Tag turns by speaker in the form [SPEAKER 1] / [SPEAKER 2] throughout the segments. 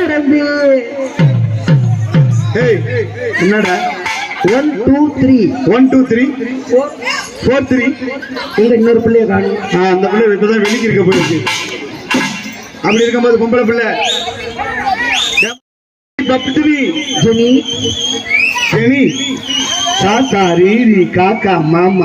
[SPEAKER 1] தம்பி.
[SPEAKER 2] என்னடா
[SPEAKER 1] 1 2 3
[SPEAKER 2] 1 2 3 4 3
[SPEAKER 1] இங்க இன்னொரு பிள்ளைய காணும்.
[SPEAKER 2] அந்த பிள்ளை இப்பதான் வெளிக்கு இருக்க போயிருக்கு. அப்படி இருக்கும்போது பொம்பளை பிள்ளை
[SPEAKER 1] ஜெனி
[SPEAKER 2] ஜெனி தாத்தா ரீரி காக்கா மாமா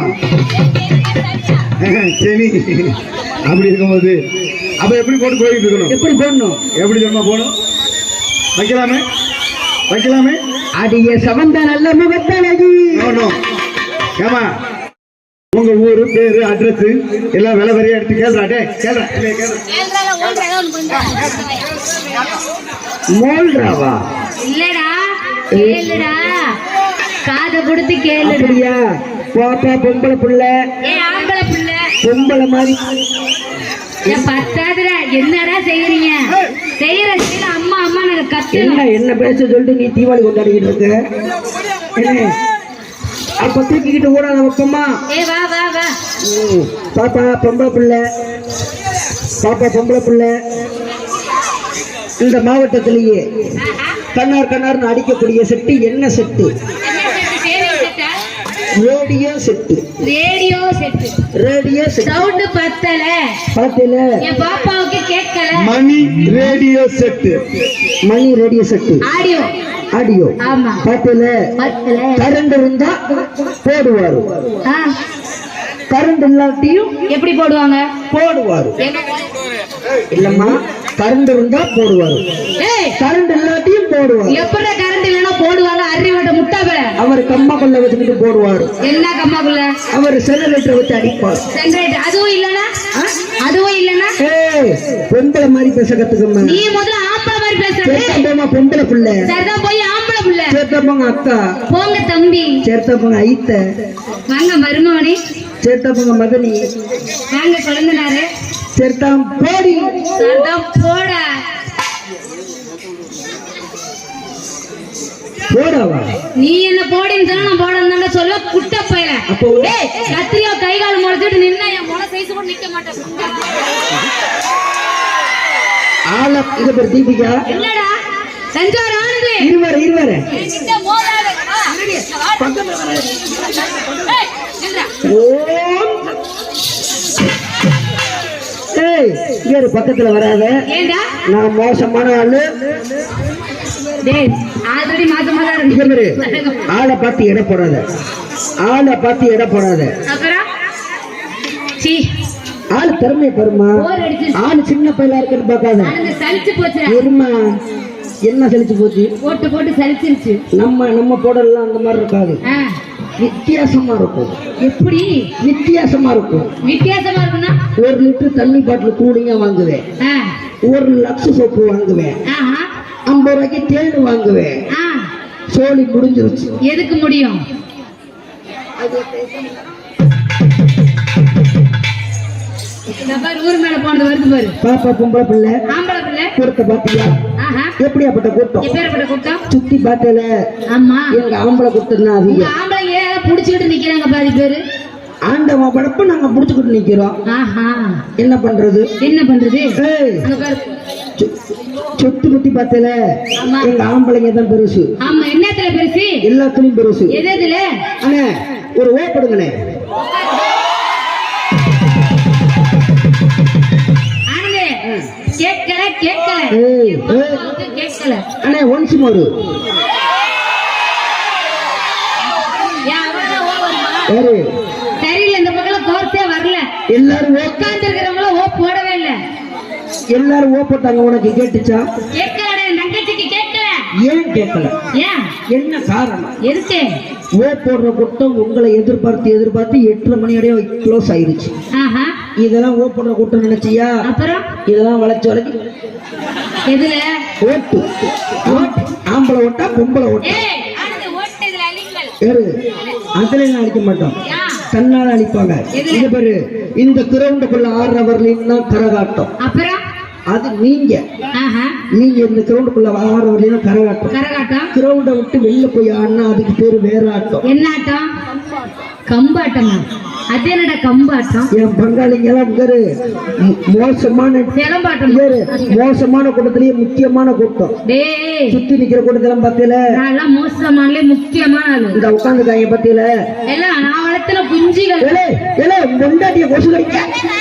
[SPEAKER 2] சரி. அப்படி இருக்கும்போது அப்ப எப்படி போட்டு போயிட்டு இருக்கணும்?
[SPEAKER 1] எப்படி போடணும்?
[SPEAKER 2] எப்படி தெரியுமா போகணும்? வைக்கலாமே வைக்கலாமே.
[SPEAKER 1] அடிய சவந்த நல்ல முகத்தழகி.
[SPEAKER 2] ஏமா உங்க ஊரு பேரு அட்ரஸ் எல்லாம் விலை வரையா எடுத்து கேள்றாட்டே
[SPEAKER 1] மோல்றாவா?
[SPEAKER 3] இல்லடா கேளுடா, காத கொடுத்து கேளுடியா.
[SPEAKER 1] பாப்பா பொம்பளை புள்ள,
[SPEAKER 3] ஆம்பளை புள்ள
[SPEAKER 1] பொம்பளை மாதிரி
[SPEAKER 3] பத்தாதுடா. என்னடா செய்யறீங்க? செய்யற செய்யல அம்மா அம்மா நாங்க கத்து.
[SPEAKER 1] என்ன பேச சொல்லிட்டு நீ தீபாவளி கொண்டாடிக்கிட்டு இருக்க? என்ன அப்ப தூக்கிக்கிட்டு ஓடாத பக்கமா?
[SPEAKER 3] வா வா வா.
[SPEAKER 1] பாப்பா பொம்பளை புள்ள, பாப்பா பொம்பளை புள்ள இந்த மாவட்டத்திலேயே கண்ணார் கண்ணார்னு அடிக்கக்கூடிய செட்டு என்ன set? Radio set.
[SPEAKER 3] Radio set.
[SPEAKER 1] Radio set.
[SPEAKER 3] Sound பத்தல
[SPEAKER 1] பத்தல.
[SPEAKER 3] என் பாப்பாவுக்கு கேட்கல.
[SPEAKER 2] மணி ரேடியோ செட்டு.
[SPEAKER 1] மணி ரேடியோ செட்டு.
[SPEAKER 3] Audio
[SPEAKER 1] audio.
[SPEAKER 3] ஆமா
[SPEAKER 1] பத்தல.
[SPEAKER 3] பத்தல.
[SPEAKER 1] கரண்ட் இருந்தா போடுவாரு, கரண்ட் இல்லாட்டியும்
[SPEAKER 3] எப்படி போடுவாங்க?
[SPEAKER 1] போடுவாரு. இல்லம்மா கரண்ட் இருந்தா போடுவாரு, கரண்ட் இல்லாட்டியும் போடுவாரு.
[SPEAKER 3] எப்படி கரண்ட் இல்லைன்னா போடுவாங்க? அறிவட்ட முட்டாப.
[SPEAKER 1] அவர் கம்மாக்குள்ள வச்சுக்கிட்டு போடுவாரு.
[SPEAKER 3] என்ன கம்மாக்குள்ள? அவர்
[SPEAKER 1] ஜெனரேட்டர் வச்சு அடிப்பார்.
[SPEAKER 3] ஜெனரேட்டர். அதுவும் இல்லனா? அதுவும் இல்லனா?
[SPEAKER 1] பொம்பளை மாதிரி பேச கத்துக்கம்மா.
[SPEAKER 3] நீ முதல்ல ஆம்பளை மாதிரி பேசுற.
[SPEAKER 1] சேர்த்தா பொம்பளை புள்ள.
[SPEAKER 3] சரிதான் போய் ஆம்பளை புள்ள.
[SPEAKER 1] சேர்த்தா போங்க அக்கா.
[SPEAKER 3] போங்க தம்பி.
[SPEAKER 1] சேர்த்தா போங்க ஐத்த.
[SPEAKER 3] வாங்க மருமவனே.
[SPEAKER 1] சேர்த்தா போங்க மகனி.
[SPEAKER 3] வாங்க குழந்தனாரு.
[SPEAKER 1] சேர்த்தா போடி.
[SPEAKER 3] சரிதான் போடா.
[SPEAKER 1] போடாவா?
[SPEAKER 3] நீ என்ன போடின்னு சொன்னா நான் போடன்னு சொல்ல குட்ட பையல.
[SPEAKER 1] அப்போ
[SPEAKER 3] கத்திரியா கை கால் முளைச்சிட்டு நின்னா என் முளை சைஸ் கூட நிக்க மாட்டேன்.
[SPEAKER 1] ஆள இது பேர் தீபிகா.
[SPEAKER 3] என்னடா சஞ்சார் ஆனது?
[SPEAKER 1] இருவர இருவர
[SPEAKER 3] கிட்ட மோதாத. பக்கத்துல வர. ஏய் நில்றா.
[SPEAKER 1] இங்க பக்கத்துல வராத.
[SPEAKER 3] ஏண்டா?
[SPEAKER 1] நான் மோசமான ஆளு.
[SPEAKER 3] டேய் ஆல்ரெடி மாசமா தான் இருக்கு.
[SPEAKER 1] ஆளை பார்த்து எடை போடாத, ஆளை பார்த்து எடை போடாத.
[SPEAKER 3] அப்புறம் சீ
[SPEAKER 1] ஆளு திறமையை பாருமா. ஆளு சின்ன பையலா இருக்குன்னு பார்க்காத.
[SPEAKER 3] சலிச்சு போச்சு.
[SPEAKER 1] இருமா என்ன சலிச்சு போச்சு?
[SPEAKER 3] போட்டு போட்டு சலிச்சிருச்சு.
[SPEAKER 1] நம்ம போடலாம் அந்த மாதிரி இருக்காது, வித்தியாசமா இருக்கும்.
[SPEAKER 3] எப்படி
[SPEAKER 1] வித்தியாசமா இருக்கும்?
[SPEAKER 3] வித்தியாசமா இருக்குன்னா
[SPEAKER 1] 1 லிட்டர் தண்ணி பாட்டில் கூலிங்கா வாங்குவேன், 1 லக்ஸ் சோப்பு வாங்குவேன், 50 ரூபாய்க்கு தேன் வாங்குவேன். சோழி முடிஞ்சிருச்சு.
[SPEAKER 3] எதுக்கு முடியும்? ஊர் மேல போனது வருது பாரு.
[SPEAKER 1] பாப்பா பொம்பளை பிள்ளை
[SPEAKER 3] ஆம்பளை பிள்ளை
[SPEAKER 1] கூட்ட பாத்தியா? எப்படியாப்பட்ட கூட்டம்?
[SPEAKER 3] எப்பேற்பட்ட கூட்டம்?
[SPEAKER 1] சுத்தி பாட்டல.
[SPEAKER 3] ஆமா
[SPEAKER 1] எங்க ஆம்பளை கூட்டம் தான் அதிகம்.
[SPEAKER 3] ஆம்பளை புடிச்சுக்கிட்டு நிக்கிறாங்க பாதி பேரு.
[SPEAKER 1] ஆண்டவன் படப்ப நாங்க புடிச்சுக்கிட்டு நிக்கிறோம். என்ன பண்றது?
[SPEAKER 3] என்ன பண்றது?
[SPEAKER 1] சொத்து பத்தி பார்த்தல எங்க ஆம்பளைங்க தான் பெருசு.
[SPEAKER 3] ஆமா என்னத்துல பெருசு?
[SPEAKER 1] எல்லாத்துலயும் பெருசு.
[SPEAKER 3] எதுல?
[SPEAKER 1] அண்ணே ஒரு ஓப்படுங்கண்ணே.
[SPEAKER 3] கேட்கல கேட்கல கேட்கல.
[SPEAKER 1] அண்ணே ஒன்ஸ் மோர்.
[SPEAKER 3] தெரியல இந்த பக்கம் கோர்ஸே வரல.
[SPEAKER 1] எல்லாரும்
[SPEAKER 3] உட்கார்ந்து இருக்கிறவங்கள ஓ போடவே இல்ல.
[SPEAKER 1] எல்லாரும் ஓ போட்டாங்க. உனக்கு கேட்டுச்சா?
[SPEAKER 3] கேட்கல. தங்கச்சிக்கு கேட்கல.
[SPEAKER 1] ஏன் கேட்கல?
[SPEAKER 3] ஏன் என்ன
[SPEAKER 1] காரணம்?
[SPEAKER 3] எதுக்கு?
[SPEAKER 1] ஓ போடுற கூட்டம் உங்களை எதிர்பார்த்து 8:30 மணியோடய க்ளோஸ் ஆயிடுச்சு. இதெல்லாம் ஓ போடுற கூட்டம் நினைச்சியா?
[SPEAKER 3] அப்புறம்
[SPEAKER 1] இதெல்லாம் வளைச்சு வளைச்சு
[SPEAKER 3] எதுல
[SPEAKER 1] ஓட்டு? ஆம்பளை ஓட்டா பொம்பளை ஓட்டா? அதுல அழிக்க மாட்டோம், தன்னால அழிப்பாங்க. இது பேரு இந்த கிரவுண்டுக்குள்ள 6 ஹவர்லயும் தான் கரகாட்டம்.
[SPEAKER 3] அப்புறம்
[SPEAKER 1] அது நீங்க இந்த கிரவுண்டுக்குள்ள 6 ஹவர்லயும் கரகாட்டம். கிரவுண்டை விட்டு வெளில போய் ஆடினா அதுக்கு பேரு வேற ஆட்டம்.
[SPEAKER 3] என்ன ஆட்டம்? கம்பாட்டமா? அது என்னடா கம்பாட்டம்
[SPEAKER 1] என் பங்காளிங்க எல்லாம் இங்கரு மோசமான
[SPEAKER 3] சிலம்பாட்டம்
[SPEAKER 1] இங்கரு மோசமான கூட்டத்திலேயே முக்கியமான கூட்டம்.
[SPEAKER 3] டேய்
[SPEAKER 1] சுத்தி நிக்கிற கூட்டத்தெல்லாம் பத்தியில
[SPEAKER 3] நான் மோசமானே முக்கியமான ஆளு
[SPEAKER 1] இந்த உட்காந்துக்காங்க பத்தியில
[SPEAKER 3] எல்லாம் நான் வளர்த்துல குஞ்சிகள்
[SPEAKER 1] முண்டாட்டிய கொசு கடிக்க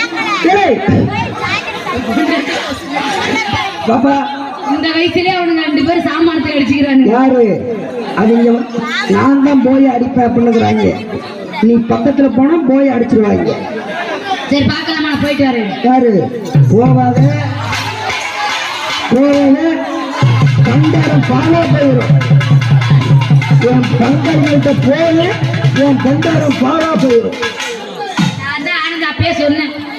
[SPEAKER 1] பாப்பா.
[SPEAKER 3] இந்த வயசுலயே அவனுங்க 2 பேரும் சாமானத்தை அடிச்சுக்கிறானுங்க.
[SPEAKER 1] யாரு அவங்க? நான் தான் போய் அடிப்பேன் அப்படின்னுக்குறாங்க. நீ பக்கத்துல போனா போய் அடிச்சிருவாங்க.
[SPEAKER 3] சரி பாக்கலாமா, நான் போயிட்டு வரேன்.
[SPEAKER 1] யாரு? போவாத கண்டாரம் பாலா போயிடும். என் பங்காளிகிட்ட போல என் கண்டாரம் பாலா போயிடும்.
[SPEAKER 3] நான் தான் ஆனந்த் அப்பயே சொன்னேன்.